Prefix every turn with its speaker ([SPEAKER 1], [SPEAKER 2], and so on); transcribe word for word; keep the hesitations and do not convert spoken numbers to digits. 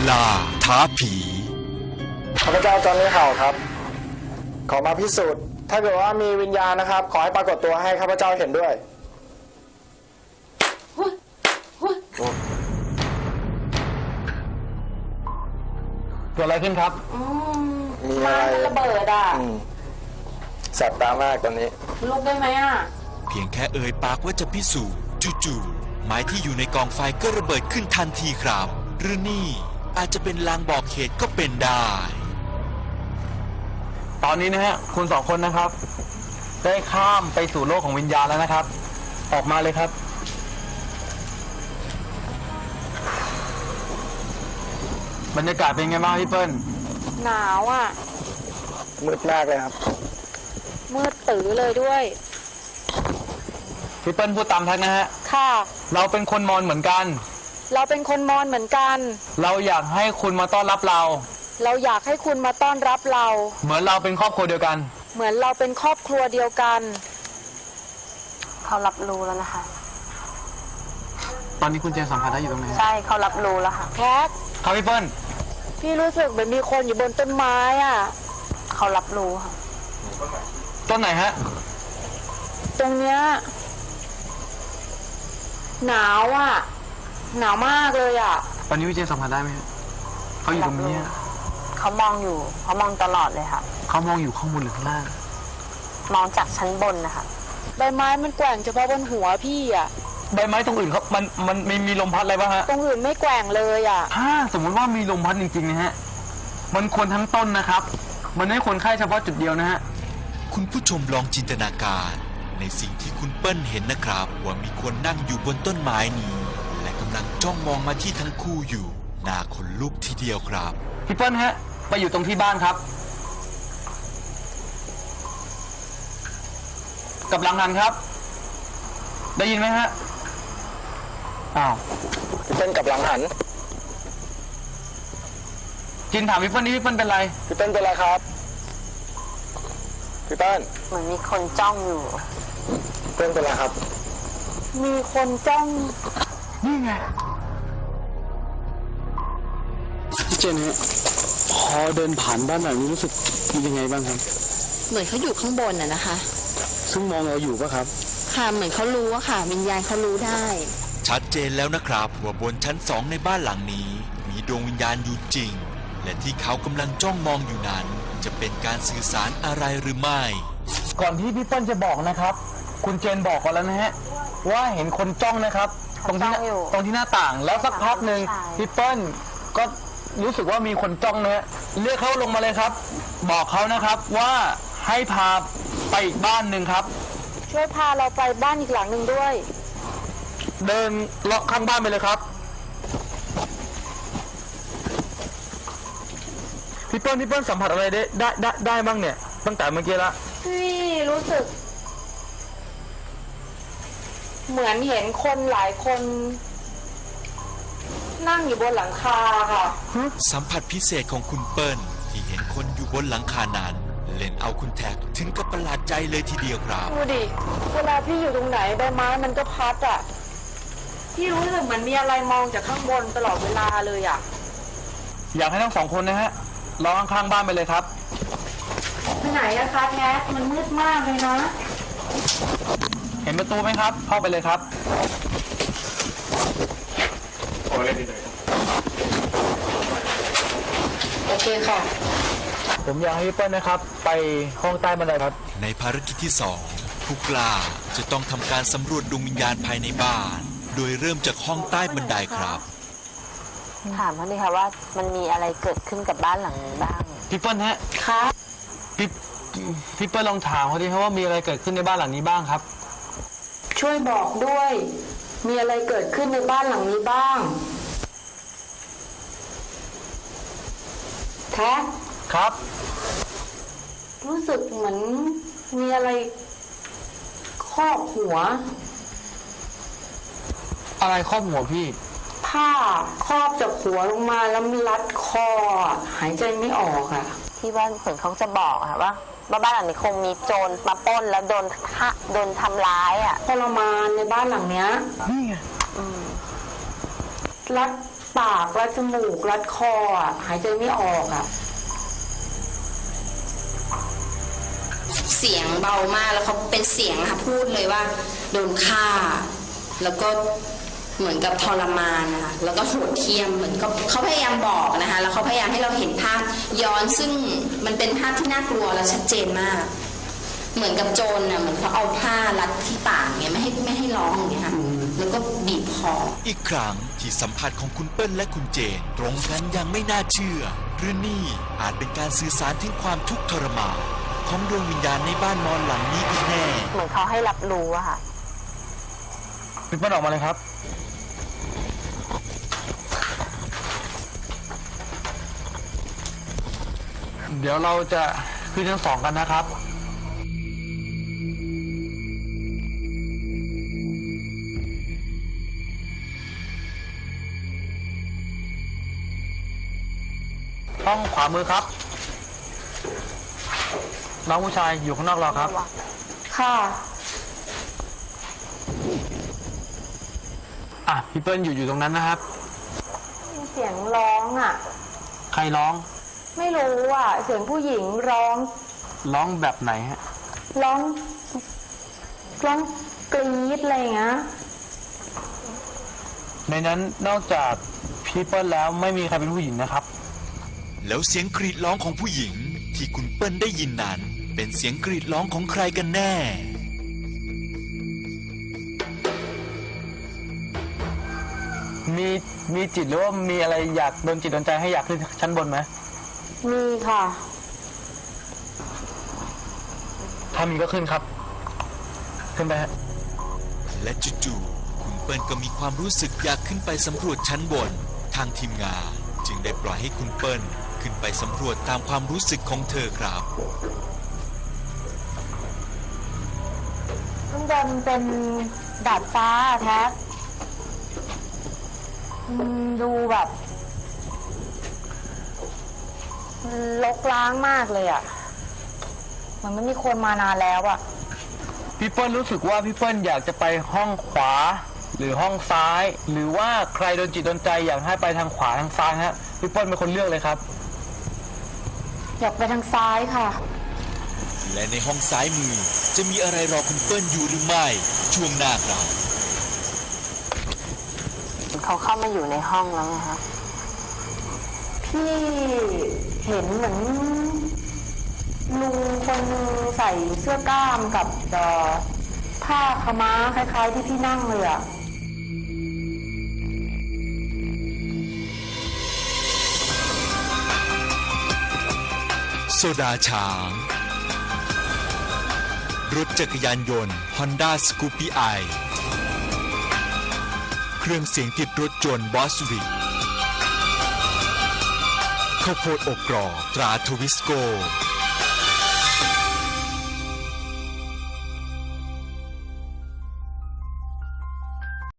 [SPEAKER 1] ล่าท้าผี
[SPEAKER 2] ข้าพเจ้าจอห์นนี่เห่าครับขอมาพิสูจน์ถ้าเกิดว่ามีวิญญาณนะครับขอให้ปรากฏตัวให้ข้าพเจ้าเห็นด้วยเกิดอะไรขึ้นครับมีอะไร
[SPEAKER 3] ระเบิดอ่ะ
[SPEAKER 2] แสบตามากตอนนี้
[SPEAKER 3] ลุกได้ไหมอ่ะ
[SPEAKER 1] เพียงแค่เอ่ยปากว่าจะพิสูจน์จู่ๆไม้ที่อยู่ในกองไฟก็ระเบิดขึ้นทันทีครับหรือนี่อาจจะเป็นลางบอกเหตุก็เป็นได้
[SPEAKER 2] ตอนนี้นะฮะคุณสองคนนะครับได้ข้ามไปสู่โลกของวิญญาณแล้วนะครับออกมาเลยครับบรรยากาศเป็นไงบ้างพี่เปิ้ล
[SPEAKER 3] หนาวอ่ะ
[SPEAKER 2] มืดมากเลยครับ
[SPEAKER 3] มืดตื้อเลยด้วย
[SPEAKER 2] พี่เปิ้ลพูดตามทักนะฮะ
[SPEAKER 3] ค่ะ
[SPEAKER 2] เราเป็นคนมอญเหมือนกัน
[SPEAKER 3] เราเป็นคนมอญเหมือนกัน
[SPEAKER 2] เราอยากให้คุณมาต้อนรับเรา
[SPEAKER 3] เราอยากให้คุณมาต้อนรับเรา
[SPEAKER 2] เหมือนเราเป็นครอบครัวเดียวกัน
[SPEAKER 3] เหมือนเราเป็นครอบครัวเดียวกัน
[SPEAKER 4] เขารับรู้แล้วนะคะ
[SPEAKER 2] ตอนนี้คุณเจสัมผัสได้อยู่ตรงไหน
[SPEAKER 4] ใช่เขารับรู้แล้วค่ะ
[SPEAKER 3] แคท
[SPEAKER 2] ครับพี่เปิ้ล
[SPEAKER 3] พี่รู้สึกเหมือนมีคนอยู่บนต้นไม้อ่ะ
[SPEAKER 4] เขารับรู้ค่ะ
[SPEAKER 2] ต้นไหนฮะ
[SPEAKER 3] ตรงเนี้ยหนาวอ่ะหนาวมากเลยอ่ะ
[SPEAKER 2] ตอนนี้พี่เจสัมผัสได้ไหมเขาอยู่ตรงนี้
[SPEAKER 4] เขามองอยู่เขามองตลอดเลยค่ะ
[SPEAKER 2] เขามองอยู่ข้างบนหรือข้างล่าง
[SPEAKER 4] มองจากชั้นบนนะคะ
[SPEAKER 3] ใบไม้มันแกว่งเฉพาะบนหัวพี่อ่ะ
[SPEAKER 2] ใบไม้ตรงอื่นเขามันมันมีมีลมพัดอะไรบ้างฮะ
[SPEAKER 3] ตรงอื่นไม่แกว่งเลยอ่ะ
[SPEAKER 2] ถ้าสมมติว่ามีลมพัดจริงๆนะฮะมันควรทั้งต้นนะครับมันไม่ควรแค่เฉพาะจุดเดียวนะฮะ
[SPEAKER 1] คุณผู้ชมลองจินตนาการในสิ่งที่คุณเปิ้ลเห็นนะครับว่ามีคนนั่งอยู่บนต้นไม้นี้และกำลังจ้องมองมาที่ทั้งคู่อยู่น่าขนลุกทีเดียวครับ
[SPEAKER 2] พี่เปิ้ลฮะไปอยู่ตรงที่บ้านครับกับหลังหันครับได้ยินไหมฮะอ้าวพี่เปิ้ลกับหลังหันจินถามพี่เปิ้ลนี่พี่เปิ้ลเป็นไรพี่เปิ้ลเป็นไรครับพี่เปิ้ล
[SPEAKER 4] เหมือนมีคนจ้องอยู่
[SPEAKER 2] พี่เปิ้ลเป็นไรครับ
[SPEAKER 3] มีคนจ้อง
[SPEAKER 2] นี่ไงพี่เจนฮะพอเดินผ่านบ้านหลังนี้รู้สึกยังไงบ้างครับ
[SPEAKER 4] เหมือนเขาอยู่ข้างบนน่ะนะคะ
[SPEAKER 2] ซึ่งมองเราอยู่ป่ะครับ
[SPEAKER 4] ค่ะเหมือนเขารู้อะค่ะวิญญาณเขารู้ได้
[SPEAKER 1] ชัดเจนแล้วนะครับว่าบนชั้นสองในบ้านหลังนี้มีดวงวิญญาณอยู่จริงและที่เขากำลังจ้องมองอยู่นั้นจะเป็นการสื่อสารอะไรหรือไม่
[SPEAKER 2] ก่อนที่พี่เปิ้ลจะบอกนะครับคุณเจนบอกก่อนแล้วนะฮะว่าเห็นคนจ้องนะครับตรงที่ตรงที่หน้าต่างแล้วสักพักหนึ่งพี่เปิ้ลก็รู้สึกว่ามีคนจ้องนะฮะเรียกเขาลงมาเลยครับบอกเขานะครับว่าให้พาไปอีกบ้านหนึ่งครับ
[SPEAKER 3] ช่วยพาเราไปบ้านอีกหลังหนึ่งด้วย
[SPEAKER 2] เดินเลาะข้างบ้านไปเลยครับพี่เปิ้ลพี่เปิ้ลสัมผัสอะไรได้ได้ได้ได้บ้างเนี่ยตั้งแต่เมื่อกี้ละ
[SPEAKER 3] พี่รู้สึกเหมือนเห็นคนหลายคนนั่งอยู่บนหลังคาค่ะ
[SPEAKER 1] สัมผัสพิเศษของคุณเปิ้ลที่เห็นคนอยู่บนหลังคานั้นเล่นเอาคุณแท็กถึงกับประหลาดใจเลยทีเดียวครับ
[SPEAKER 3] ดูดิเวลาพี่อยู่ตรงไหนใบไม้มันก็พัดอ่ะพี่รู้สึกเหมือนมีอะไรมองจากข้างบนตลอดเวลาเลยอ่ะ
[SPEAKER 2] อยากให้ทั้งสองคนนะฮะรอข้างๆบ้านไปเลยครับ
[SPEAKER 3] ไปไหนอะคะแท็กมันมืดมากเลยนะ
[SPEAKER 2] เห็นประตูไหมครับเข้าไปเลยครับ
[SPEAKER 3] โอเคค่ะ
[SPEAKER 2] ผมอยากให้พี่เปิ้ลนะครับไปห้องใต้บันไดครับ
[SPEAKER 1] ในภารกิจที่สองผู้กล้าจะต้องทำการสำรวจดวงวิญญาณภายในบ้านโดยเริ่มจากห้องใต้บันไดครับ
[SPEAKER 4] ถามเขาดิค่ะว่ามันมีอะไรเกิดขึ้นกับบ้านหลังนี้บ้าง
[SPEAKER 2] พี่เปิ้ลฮะ
[SPEAKER 3] ค่ะ
[SPEAKER 2] พี่พี่เปิ้ลลองถามเขาดิครับว่ามีอะไรเกิดขึ้นในบ้านหลังนี้บ้างครับ
[SPEAKER 3] ช่วยบอกด้วยมีอะไรเกิดขึ้นในบ้านหลังนี้บ้างแท็ก
[SPEAKER 2] ครับ
[SPEAKER 3] รู้สึกเหมือนมีอะไรครอบหัว
[SPEAKER 2] อะไรครอบหัวพี่
[SPEAKER 3] ผ้าครอบจากหัวลงมาแล้วมันรัดคอหายใจไม่ออกอ่ะ
[SPEAKER 4] ที่ว่าเหมือนเขาจะบอกค่ะว่าบ้านหลังนี้คงมีโจรมาปล้นแล้วโดนฆ่าโดนทำร้ายอ่ะ
[SPEAKER 3] ทรมานในบ้านหลังเนี้ย
[SPEAKER 2] นี่ไง
[SPEAKER 3] รัดปปากรัดจมูกรัดคออ่ะหายใจไม่ออกอ่ะ
[SPEAKER 5] เสียงเบามากแล้วเขาเป็นเสียงค่ะพูดเลยว่าโดนฆ่า แล้วก็เหมือนกับทรมานนะคะแล้วก็โหดเหี้ยมเหมือนกับเขาพยายามบอกนะคะแล้วเขาพยายามให้เราเห็นภาพย้อนซึ่งมันเป็นภาพที่น่ากลัวและชัดเจนมาก เหมือนกับโจรน่ะเหมือนเขาเอาผ้ารัดที่ปากเงี้ยไม่ให้ไม่ให้ร้องอย่างเงี้ยค่ะแล้วก็บีบคอ
[SPEAKER 1] อีกครั้งที่สัมผัสของคุณเปิ้ลและคุณเจนตรงกันอย่างไม่น่าเชื่อหรือนี่อาจเป็นการสื่อสารถึงความทุกข์ทรมานของดวงวิญญาณในบ้านนอนหลังนี้กันแน่
[SPEAKER 4] เหมือนเขาให้รับรู้อะค่ะ
[SPEAKER 2] พี่เปิ้ลออกมาเลยครับ เดี๋ยวเราจะขึ้นชั้นสองกันนะครับ ห้องขวามือครับ น้องผู้ชายอยู่ข้างนอกรอครับ
[SPEAKER 3] ค่ะ
[SPEAKER 2] อ่ะพี่เปิ้ลอยู่อยู่ตรงนั้นนะครับ
[SPEAKER 3] มีเสียงร้องอ่ะ
[SPEAKER 2] ใครร้อง
[SPEAKER 3] ไม่รู้อ่ะ เสียงผู้หญิงร้อง
[SPEAKER 2] ร้องแบบไหนฮะ
[SPEAKER 3] ร้องร้องกรี๊ดอะไรอย่างเงี้ย
[SPEAKER 2] ในนั้นนอกจากพี่เปิ้ลแล้วไม่มีใครเป็นผู้หญิงนะครับ
[SPEAKER 1] แล้วเสียงกรีดร้องของผู้หญิงที่คุณเปิ้ลได้ยินนั้นเป็นเสียงกรีดร้องของใครกันแน่
[SPEAKER 2] มีมีจิตหรือว่ามีอะไรอยากโดนจิตโดนใจให้อยากขึ้นชั้นบนไหม
[SPEAKER 3] มีค่ะ
[SPEAKER 2] ถ้ามีก็ขึ้นครับ ขึ้นไปฮะ
[SPEAKER 1] และจู่ๆคุณเปิ้ลก็มีความรู้สึกอยากขึ้นไปสำรวจชั้นบนทางทีมงานจึงได้ปล่อยให้คุณเปิ้ลขึ้นไปสำรวจตามความรู้สึกของเธอครับ
[SPEAKER 3] ข้างบนเป็นดาดฟ้าแท็กอืมดูแบบรกร้างมากเลยอ่ะ มันไม่มีคนมานานแล้วอ่ะ
[SPEAKER 2] พี่เปิ้ลรู้สึกว่าพี่เปิ้ลอยากจะไปห้องขวา หรือห้องซ้าย หรือว่าใครโดนจิตโดนใจอยากให้ไปทางขวาทางซ้ายฮะพี่เปิ้ลเป็นคนเลือกเลยครับ
[SPEAKER 3] อยากไปทางซ้ายค่ะ
[SPEAKER 1] และในห้องซ้ายมือจะมีอะไรรอคุณเปิ้ลอยู่หรือไม่ช่วงหน้าครับ
[SPEAKER 4] เขาเข้ามาอยู่ในห้องแล้วไงคะ
[SPEAKER 3] พี่เห็นเหมือนลุงคนนึงใส่เสื้อกล้ามกับเอ่อผ้าขาวม้าคล้ายๆที่พี่นั่งเลยอ่ะ
[SPEAKER 1] โซดาช้าง รถจักรยานยนต์ Honda Scoopy i เครื่องเสียงติดรถยนต์ Boswick ข้าวโพดอบกรอบตราทวิสโก